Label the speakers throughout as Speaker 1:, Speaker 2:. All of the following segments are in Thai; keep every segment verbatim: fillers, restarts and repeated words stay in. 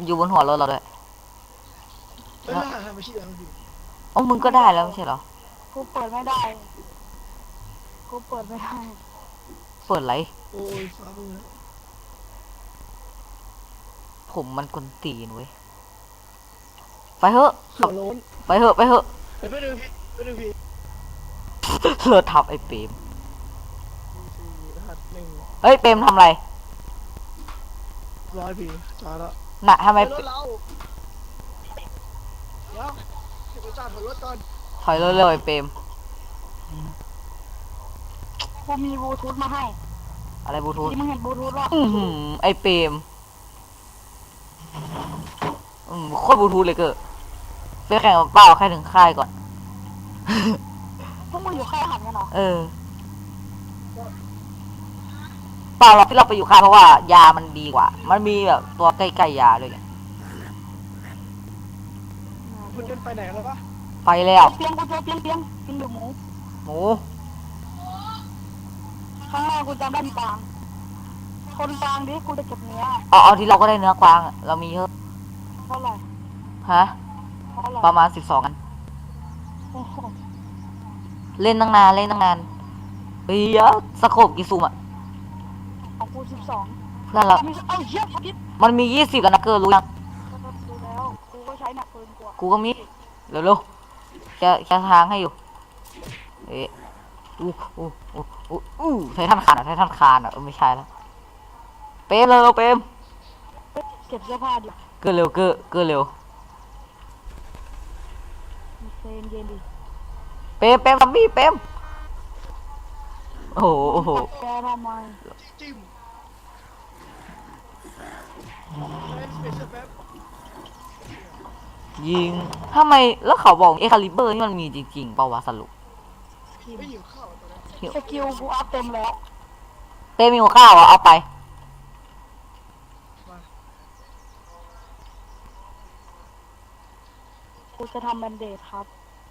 Speaker 1: อยู่บนหัวรถเราด้วย
Speaker 2: เอ้ยทำไมชื่ออะไรพี่
Speaker 1: อ๋อมึงก็ได้แล้วไม่ใช่เหรอ
Speaker 3: กูเปิดไม่ได้กูเปิดไม่ได้
Speaker 1: เปิดไร
Speaker 2: โอ้ยฟ้ามือ
Speaker 1: ผมมันกวนตีนเว้ยไปเถอะ
Speaker 2: หัวโล้น
Speaker 1: ไปเถอะไปเถอะ
Speaker 2: ไปไปดูพี่ไปดูพี่
Speaker 1: เลิศทับไอ้เปรม
Speaker 2: รหัสหนึ่ง
Speaker 1: เฮ้ยเปรมทำอะไร
Speaker 2: ร้อยพี่จอดแล้ว
Speaker 1: น่ะทำไม
Speaker 2: รถเราเดี๋ยวเก็บประจานถอยรถก่อน
Speaker 1: ถอยเร็วๆไอ้เปรม
Speaker 3: กูมีบลูทูธมาให้
Speaker 1: อะไรบลูทูธ
Speaker 3: ที่มึงเห็นบลูทูธหรอ
Speaker 1: อืมไอ้เปรมอืมโคตรบลูทูธเลยเกิดไปแข่งกับเป้าแค่ถึงค่ายก่อน
Speaker 3: พวกมึงอยู่ค่ายหันกันเหรอ
Speaker 1: เออเปล่าเราที่เราไปอยู่ค่ายเพราะว่ายามันดีกว่ามันมีแบบตัวใกล้ๆยาด้วยไง
Speaker 2: คุณจะไปไหนแล้วปะ
Speaker 1: ไปแล้ว
Speaker 3: เปียงกูเจอเปียงเปียงกินหรือหมู
Speaker 1: หมู
Speaker 3: ข้างหน้ากูจำได้มีกลางคนกลางดิกูจะเก็บเนื้อ
Speaker 1: เอาเอาที่เราก็ได้เนื้อกวางเรามีเยอะ
Speaker 3: เท่าไหร่
Speaker 1: ฮะประมาณสิบสองกันเล่นตั้งนานเล่นตั้งนานเฮ้ยสโคปกี่ซูมอ่ะ
Speaker 3: ของกูสิบสอง
Speaker 1: เพื่อนเรามันมียี่สิบกันนะเกิร์รู้ยัง
Speaker 3: ดูแล้วกูก็ใช้หนักเกินกว่า
Speaker 1: กูก็มีเร็วๆแค่แค่ทางให้อยู่เอ๊ะอู้อู้อู้อู้อู้ไททันคานอ่ะไททันคานอ่ะเออไม่ใช่แล้วเปมเร็วเปม
Speaker 3: เก็บเสื้อผ้าดิ
Speaker 1: เกินเร็วเกินเกินเร็ว
Speaker 3: เย็นเย็นดิ
Speaker 1: เปมเปมซัมบี้เปมโอ้โห
Speaker 3: แกทำไม
Speaker 2: จิ้ม
Speaker 1: ยิงทำไมแล้วเขาบอกเอคาลิเบอร์นี่มันมีจริงๆเปล่าวะสรุป
Speaker 2: ไม่หิวข้าวตอนนี้
Speaker 3: สกิลกูอัพเต็มแล้ว
Speaker 1: เต้มีหัวข้าวอ่ะเอาไป
Speaker 3: กูจะทำแบนเดดครับ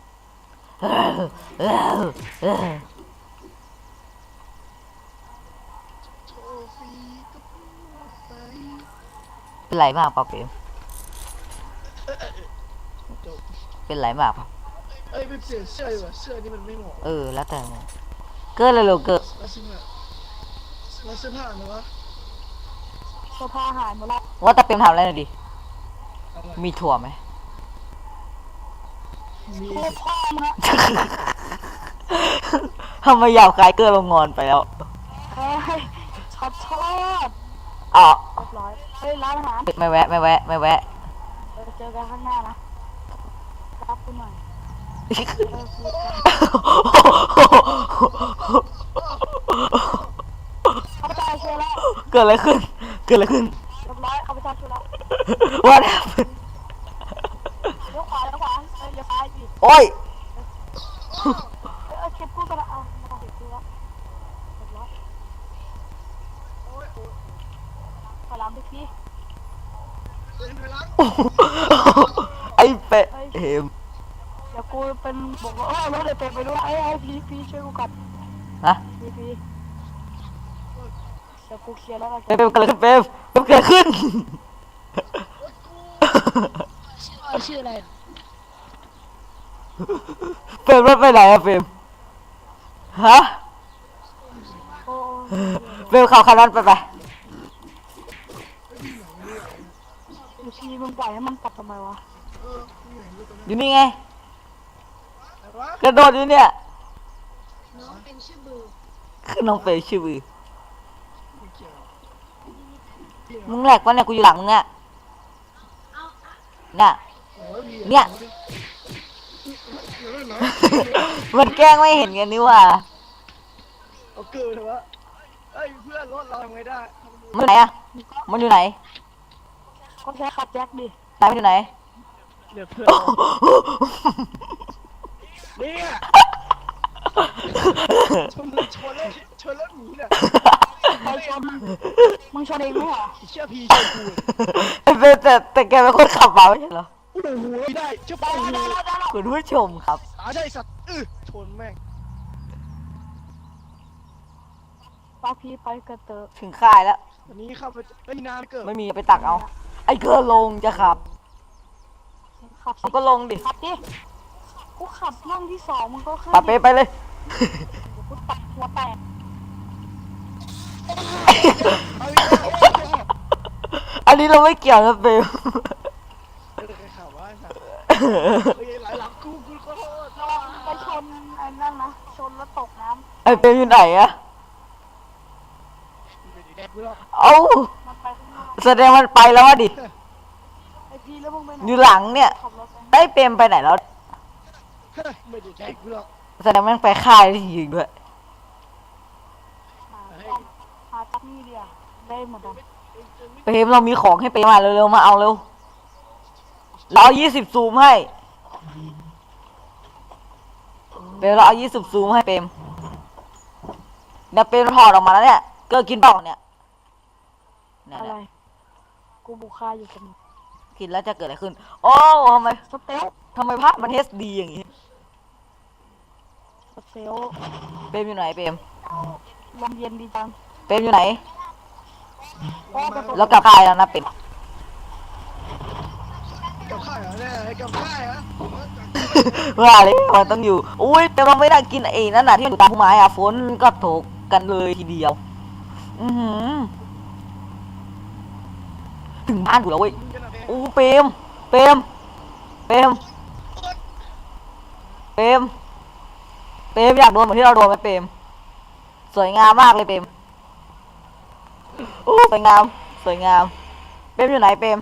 Speaker 1: เป็นไรมากป่ะเปมเป็นไรมากป่ะ
Speaker 2: เอ้ยไปเปลี่ยนเสื้อดีกว่าเสื้อนี่มันไม่เหมาะ
Speaker 1: เออแล้วแต่เกิดเลยเกิด
Speaker 2: แล้วเสื้อแล้วเสื้อผ้าเนอะ
Speaker 3: เสื้อผ้าหายหมดแล้ว
Speaker 1: ว่าแต่เปมทำอะไรหน่อยดิมีถั่วไหม
Speaker 2: มี
Speaker 3: พ่อมึง
Speaker 1: ทำไมยาวคล้ายเกิดลงงอนไปแล้ว
Speaker 3: เฮ้ยช็อตช็อต
Speaker 1: อ๋อ
Speaker 3: เรียบร้อยเฮ้ยร้านอาหาร
Speaker 1: ไม่แวะไม่แวะไม่แวะ
Speaker 3: เจอกันข้างหน้านะรับกูหน่อยข้าพเจ้าเชื่อแล้ว
Speaker 1: เกิดอะไรขึ้นเกิดอะไรขึ้น
Speaker 3: เรียบร้อยข้าพเจ้าเชื่อแล้ว
Speaker 1: ว่าแล้ว
Speaker 3: เลี้ยวขวาเลี้ยวขวาเฮ้ยเลี้ยวซ้ายดิ
Speaker 1: โอ้ย
Speaker 3: เออเก็บกูกันละเอามาเก็บกูแล้วเรียบร้อยขอล้างทุกที
Speaker 1: ไอ้เป็ดเอ็ม
Speaker 3: เดี๋ยวกูเป็นบอกว่าเออรถเดี๋ยวเป็ดไปด้วยไอ้ไอ้พี่พี่ช่วยกูกัด
Speaker 1: นะ
Speaker 3: พี่พี่เดี๋ยวกูเคลียร์แล้วกัน
Speaker 1: เป๊ปเกิดขึ้นเป๊ปเป๊ปเกิดขึ้น
Speaker 3: ชื่ออะไร
Speaker 1: เป๊ปรถไปไหนอะเป๊ปฮะเป๊ปขับคันนั้นไปไป
Speaker 3: อยู่ทีมึงปล่อยให้มันกลับทำไมวะ
Speaker 1: อยู่นี่ไงกระโดดอยู่เนี่ย
Speaker 3: น้องเป็นชื่อบือ
Speaker 1: คือน้องเป็นชื่อบือมึงแหลกปะเนี่ยกูอยู่หลังมึงอะเนี่ยเนี่ยมันแกล้งไม่เห็นกันนี่ว่า
Speaker 2: เอาเกินเหรอวะเอ้ยเพื่อนรถเราทำไงได้
Speaker 1: มันไหนอะมันอยู่ไหน
Speaker 3: ก็ใช้ขับแจ็คดิ
Speaker 1: ตายมันอยู่ไหน
Speaker 2: เดี๋ยวเพื่อนเนี่ยชนชนแล้วชนแล้วหนีเนี่ย
Speaker 3: ใครชนมึงชนเองไหมเหรอ
Speaker 2: เชื่อพี่เชื่อกู
Speaker 1: แต่แต่แต่แกเป็นคนขับมาไม่ใช่เหรอ
Speaker 2: โอ้โหไม่ได้เชื่อป้า
Speaker 1: คุณผู้ชมครับ
Speaker 2: ตาได้สัตว์อื้อชนแม่ง
Speaker 3: ป้าพี่ไปกระเตอ
Speaker 1: ถึงค่ายแล้ว
Speaker 2: วันนี้เข้าไปไม่นานเกิด
Speaker 1: ไม่มีไปตักเอาไออ้เกอร์ลงจะขับ
Speaker 3: ขับสิ
Speaker 1: มันก็ลงดิ
Speaker 3: ขับดิกูขับนั่งที่สองมึงก็ขึ้น
Speaker 1: ปะเป๊ะไปเลย
Speaker 3: เดี๋ยวกูตัดหัวแตก
Speaker 2: เอาอีกแล้ว
Speaker 1: อันนี้เราไม่เกี่ยวนะเปม
Speaker 2: เออใครข่าวว่าสัตว์เฮ้ยหลายหลังกูกูขอโทษ
Speaker 3: ระวังไปชนไอ้นั่นนะชนแล้วตกน้
Speaker 1: ไอ้เปมอยู่ไหนอะ
Speaker 2: ไม่ได้แดกกูหรอก
Speaker 1: เอ้า
Speaker 3: ำมันไปข้างนอก
Speaker 1: แสดงมันไปแล้ววะดิ
Speaker 3: ไอพี่แล้วมึงไปไหน
Speaker 1: อยู่หลังเนี่ย
Speaker 3: ขับรถไป
Speaker 1: ไอ้เปมไปไหนแล้ว
Speaker 2: ไม่ได้แดกกูหรอก
Speaker 1: แสดงมันไปค่ายที่ยิงด้วย
Speaker 3: หาหาจักนี่เดียวได้หมดอ่ะ
Speaker 1: เปมเรามีของให้เปมมาเร็วๆมาเอาเร็วเราเอายี่สิบซูมให้เปมเราเอายี่สิบซูมให้เปมเนี่ยเปมถอดออกมาแล้วเนี่ยเกอร์กินเปล่าเนี่ยเนี่ย
Speaker 3: อะไร
Speaker 1: เนี่ย
Speaker 3: กูบุคคาอยู่กับมึง
Speaker 1: กินแล้วจะเกิดอะไรขึ้น โอ้ทำไม
Speaker 3: สเตล
Speaker 1: ทำไมภาพมันเอสดีอย่างงี้
Speaker 3: สเตล
Speaker 1: เปมอยู่ไหนเปม
Speaker 3: ลมเย็นดีจัง
Speaker 1: เปมอยู่ไหน
Speaker 3: โอ้แต่ผม
Speaker 1: แล้วกลับค่ายแล้วนะเปม
Speaker 2: กับข้าวเหรอเนี่ยให้กับข้าวเหรอ
Speaker 1: ว่าเลยมันต้องอยู่ อุ้ยแต่มันไม่ได้กินไอ้นั่นน่ะที่มันอยู่ตามพุ่มไม้อะฝนก็ตกกันเลยทีเดียว อือหือถึงบ้านกูแล้วเว้ย
Speaker 2: มึงกันนะเพ
Speaker 1: อู้เปรมเปรมเปรมเปรมเปรมอยากโดนเหมือนที่เราโดนไหมเปรมสวยงามมากเลยเปรมอู้สวยงามสวยงามเปรมอยู่ไหนเปรม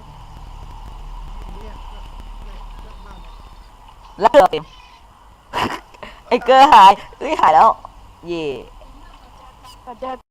Speaker 1: แล้วเกลือเปรม ไอ้เกลือหายเอ้ยหายแล้ว เย่
Speaker 3: แต่เจอ